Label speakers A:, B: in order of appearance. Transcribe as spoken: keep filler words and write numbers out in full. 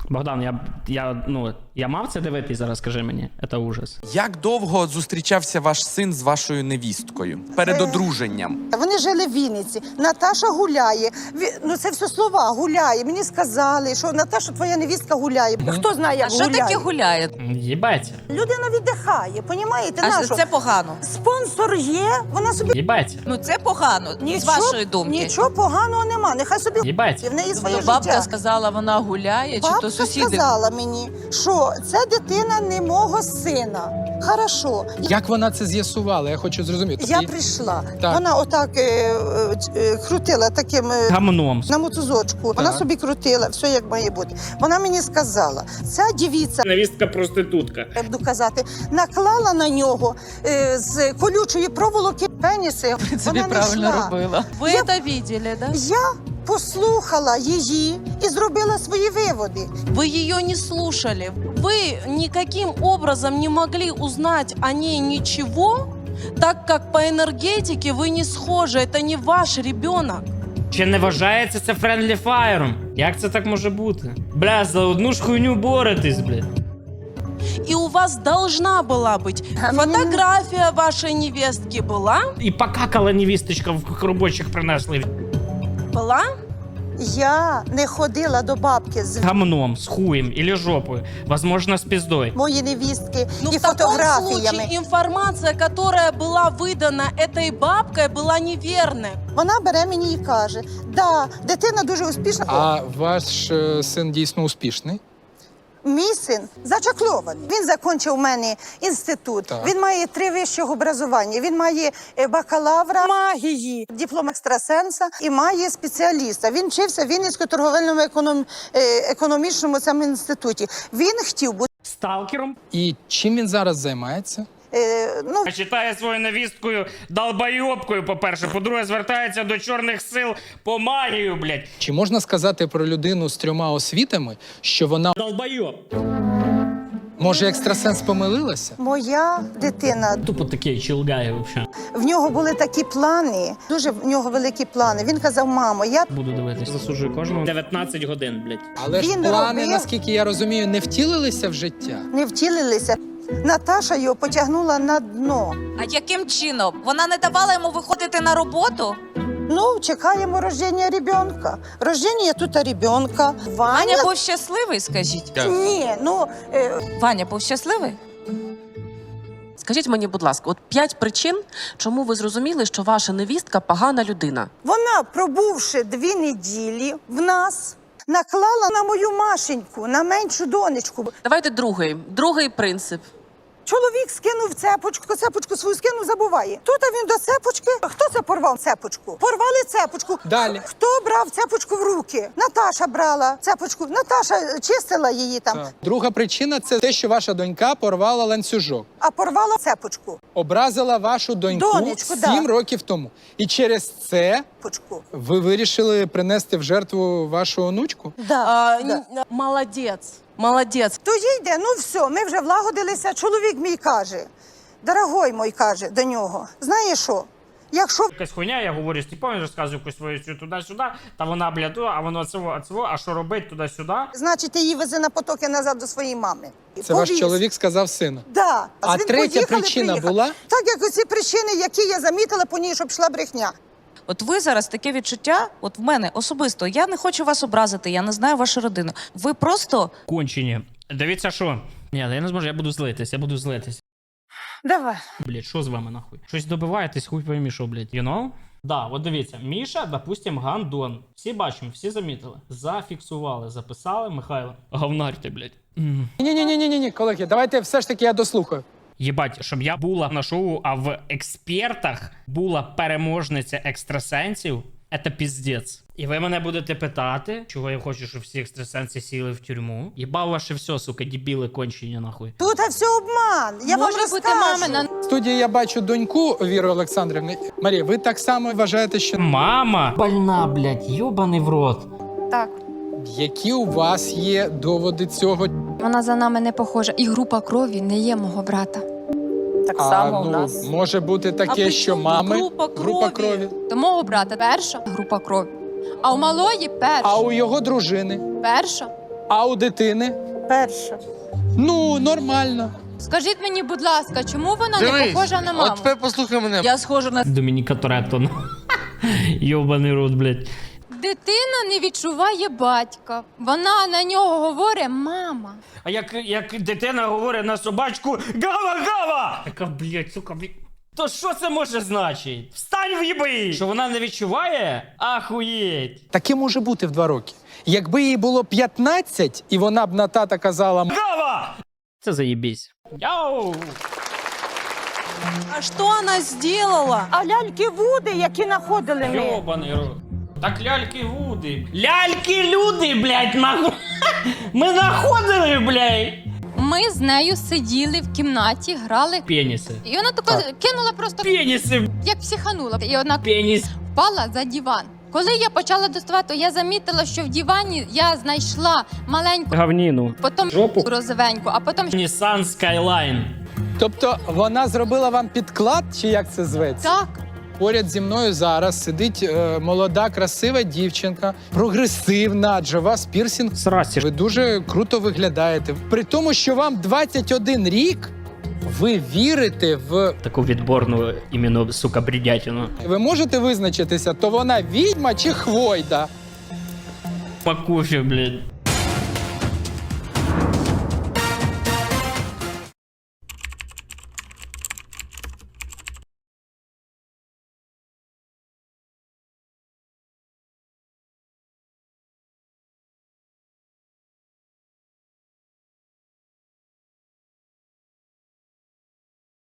A: Богдан, я, я, ну, я мав це дивитись зараз, скажи мені. Це ужас.
B: Як довго зустрічався ваш син з вашою невісткою? Перед одруженням?
C: Вони жили в Вінниці. Наташа гуляє. Ві- Ну це все слова, гуляє. Мені сказали, що Наташа, твоя невістка гуляє. Хто знає, як
D: А що
C: гуляє?
D: таке гуляє?
A: Їбать.
C: Людина віддихає, понімаєте?
D: А
C: Нащо?
D: це погано.
C: Спонсор є, вона собі...
A: Їбать.
D: Ну це погано, з вашої думки.
C: Нічого поганого нема, нехай собі
A: Їбать.
C: в неї своє
D: Тобто бабка
C: життя.
D: сказала, вона гуляє, чи
C: Бабка
D: то сусіди?
C: сказала мені, що це дитина не мого сина. Хорошо.
E: Як вона це з'ясувала? Я хочу зрозуміти.
C: Я
E: І-
C: прийшла.
E: Так.
C: Вона отак е, е, е, крутила таким е,
A: Гамном.
C: на мотузочку. Вона
E: Так.
C: собі крутила, все як має бути. Вона мені сказала, ця дівіця,
A: Невістка проститутка.
C: я буду казати, наклала на нього е, з колючої проволоки пеніси.
D: Собі
C: Вона не
D: правильно
C: йшла.
D: робила. Ви
C: Я-
D: це бачили, да?
C: Я послухала її і зробила свої виводи.
F: Вы ее не слушали. Вы никаким образом не могли узнать о ней ничего, так как по энергетике вы не схожи. Это не ваш ребенок.
A: Чи не вважається це френдлі фаєром? Як це так може бути? Бля, за одну ж хуйню боретесь, блядь.
F: И у вас должна была быть фотография вашей невестки. Была?
A: І покакала невісточка в робочих принесли.
F: Была?
C: Я не ходила до бабки з
A: Гамном, з хуєм или жопою. Возможно, з піздою.
C: моєї невістки
F: Ну,
C: і
F: в таком
C: фотографіями.
F: случае информация, которая была выдана этой бабкой, была неверной.
C: Вона бере мені і каже, да, дитина дуже успішна.
E: А ваш е, син дійсно успішний?
C: Мій син зачаклований. Він закінчив у мене інститут.
E: Так.
C: Він має три вищих образування. Він має е, бакалавра магії, диплом екстрасенса і має спеціаліста. Він вчився в Вінницькому торговельному економ... е, економічному цьому інституті. Він хотів бути.
A: Сталкером?
E: І чим він зараз займається?
C: Е, ну,
A: Читає свою невісткою долбойобкою, по-перше. По-друге, звертається до чорних сил по магію, блядь.
E: Чи можна сказати про людину з трьома освітами, що вона,
A: Долбойоб.
E: може, екстрасенс помилилася?
C: моя дитина.
A: Тупо такий чилгай, взагалі.
C: В нього були такі плани, дуже в нього великі плани. Він казав, мамо, я
A: Буду дивитися. Засуджую кожного. дев'ятнадцять годин, блядь.
E: Але ж
C: Він
E: плани,
C: робив-
E: наскільки я розумію, не втілилися в життя.
C: не втілилися. Наташа його потягнула на дно.
D: А яким чином? Вона не давала йому виходити на роботу?
C: Ну, чекаємо рождення ребенка. Рождення тут ребенка. Ваня?
D: Ваня був щасливий, скажіть.
C: Ні, ну, е,
D: Ваня був щасливий?
G: Скажіть мені, будь ласка, от п'ять причин, чому ви зрозуміли, що ваша невістка погана людина.
C: вона, пробувши дві неділі в нас, наклала на мою Машеньку, на меншу донечку.
G: Давайте другий. Другий принцип.
C: Чоловік скинув цепочку, цепочку свою скинув, забуває. Тут він до цепочки. Хто це порвав цепочку? Порвали цепочку.
E: Далі.
C: Хто брав цепочку в руки? Наташа брала цепочку. Наташа чистила її там,
E: Так. Друга причина – це те, що ваша донька порвала ланцюжок.
C: а порвала цепочку.
E: Образила вашу доньку
C: Донечку, да.
E: сім років тому. І через це
C: Цепочку.
E: ви вирішили принести в жертву вашу онучку?
C: Да,
F: А,
C: да.
F: н- молодец, молодец.
C: То їде, ну все, ми вже влагодилися. Чоловік мій каже, дорогой мой, каже до нього, знаєш що, якщо
A: Якась хуйня, я говорю, Степан розказує якусь свою цю туди-сюди, та вона, блядь, а воно цього, цього, а що робить туди-сюди?
C: значить, ти її вези на потоки назад до своєї мами.
E: Це ваш
C: Повіз.
E: чоловік сказав сину.
C: Да.
E: А
C: він
E: третя
C: поїхали,
E: причина
C: приїхали.
E: була?
C: Так, як оці причини, які я замітила по ній, щоб йшла брехня.
D: От ви зараз таке відчуття, от в мене особисто, я не хочу вас образити, я не знаю вашу родину. Ви просто
A: Кончені. Дивіться, що? Ні, я не зможу, я буду злитись, я буду злитись.
C: Давай.
A: Блядь, що з вами нахуй? Щось добиваєтесь, хуй поймі, що, блядь, you know? Да, от дивіться, Міша, допустим, гандон. Всі бачимо, всі замітили. Зафіксували, записали, Михайло. Говнар ти, блядь. М.
E: Ні-ні-ні-ні-ні, колеги, давайте все ж таки я дослухаю.
A: Єбать, щоб я була на шоу, а в експертах була переможниця екстрасенсів, це піздець. І ви мене будете питати, чого я хочу, щоб всі екстрасенси сіли в тюрму. Єбав ваше все, сука, дебіли кончені, нахуй.
C: Тут все обман. Я
D: може
C: вам
D: бути
C: розкажу.
D: мамина.
E: В студії я бачу доньку Віри Олександрівни. Марія, ви так само вважаєте, що
A: Мама! Больна, блядь, йобаний в рот.
H: Так,
E: які у вас є доводи цього?
H: вона за нами не похожа. І група крові не є мого брата.
D: так
E: А,
D: само у
E: ну,
D: нас.
E: може бути таке,
F: при
E: що
F: чому
E: мами
F: група
E: група
F: крові?
E: крові,
H: До мого брата перша група крові. А у малої перша.
E: а у його дружини.
H: Перша.
E: А у дитини?
C: Перша.
E: Ну, нормально.
H: Скажіть мені, будь ласка, чому вона не похожа на маму?
I: От тепер послухай мене.
D: Я схожа на
A: Домініка Торетто. ну. Йобаний рот, блядь.
H: Дитина не відчуває батька. Вона на нього говорить мама.
A: А як, як дитина говорить на собачку «Гава-гава!» Така, блядь, сука, блядь. То що це може значити? Встань в'їби! Що вона не відчуває? Ахуєть!
E: Таке може бути в два роки. Якби їй було п'ятнадцять, і вона б на тата казала
A: Гава! Це заєбісь. Йоу!
F: А что она сделала?
C: А ляльки Вуди, які знаходили ми.
A: Йобаний рот. Так ляльки Вуди. Ляльки люди, блядь, нахуй. Ми находили, блядь.
H: Ми з нею сиділи в кімнаті, грали.
A: Пеніси.
H: І вона тако кинула просто,
A: Пеніси.
H: як психанула. І вона
A: Пеніс.
H: впала за диван. Коли я почала доставати, то я замітила, що в дивані я знайшла маленьку,
A: Гавніну.
H: потім
A: Жопу.
H: розовеньку, а потім
A: Nissan Skyline.
E: Тобто вона зробила вам підклад, чи як це зветься?
H: так.
E: Поряд зі мною зараз сидить е, молода, красива дівчинка, прогресивна, адже у вас пірсінг.
A: Срасі.
E: Ви дуже круто виглядаєте. При тому, що вам двадцять один рік, ви вірите в...
A: Таку відборну іменно, сука, бредятину.
E: Ви можете визначитися, то вона відьма чи хвойда?
A: По кофе, блядь.